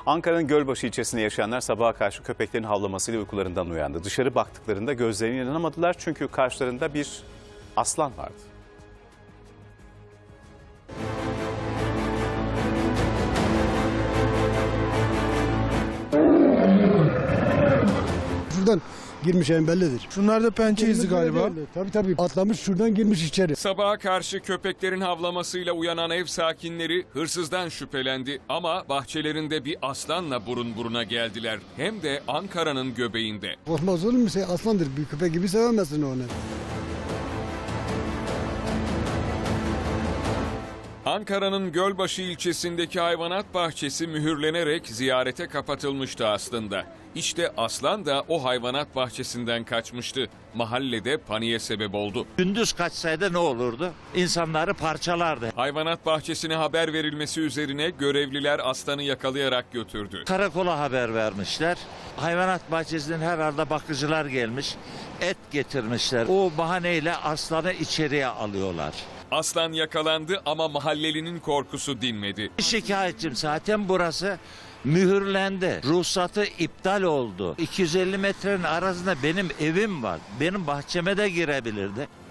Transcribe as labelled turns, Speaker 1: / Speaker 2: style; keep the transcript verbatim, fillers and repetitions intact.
Speaker 1: Ankara'nın Gölbaşı ilçesinde yaşayanlar sabaha karşı köpeklerin havlamasıyla uykularından uyandı. Dışarı baktıklarında gözlerine inanamadılar çünkü karşılarında bir aslan vardı.
Speaker 2: Şuradan girmiş en bellidir.
Speaker 3: Şunlar da pençe izi galiba.
Speaker 2: Tabii tabii atlamış şuradan girmiş içeri.
Speaker 4: Sabaha karşı köpeklerin havlamasıyla uyanan ev sakinleri hırsızdan şüphelendi ama bahçelerinde bir aslanla burun buruna geldiler. Hem de Ankara'nın göbeğinde.
Speaker 2: Korkmaz olur mu? Şey, aslandır. Bir köpek gibi sevemezsin onu.
Speaker 4: Ankara'nın Gölbaşı ilçesindeki hayvanat bahçesi mühürlenerek ziyarete kapatılmıştı aslında. İşte aslan da o hayvanat bahçesinden kaçmıştı. Mahallede paniğe sebep oldu.
Speaker 5: Gündüz kaçsaydı ne olurdu? İnsanları parçalardı.
Speaker 4: Hayvanat bahçesine haber verilmesi üzerine görevliler aslanı yakalayarak götürdü.
Speaker 5: Karakola haber vermişler. Hayvanat bahçesinden herhalde bakıcılar gelmiş. Et getirmişler. O bahaneyle aslanı içeriye alıyorlar.
Speaker 4: Aslan yakalandı ama mahallelinin korkusu dinmedi.
Speaker 5: Şikayetçim zaten burası mühürlendi. Ruhsatı iptal oldu. iki yüz elli metrenin arasında benim evim var. Benim bahçeme de girebilirdi.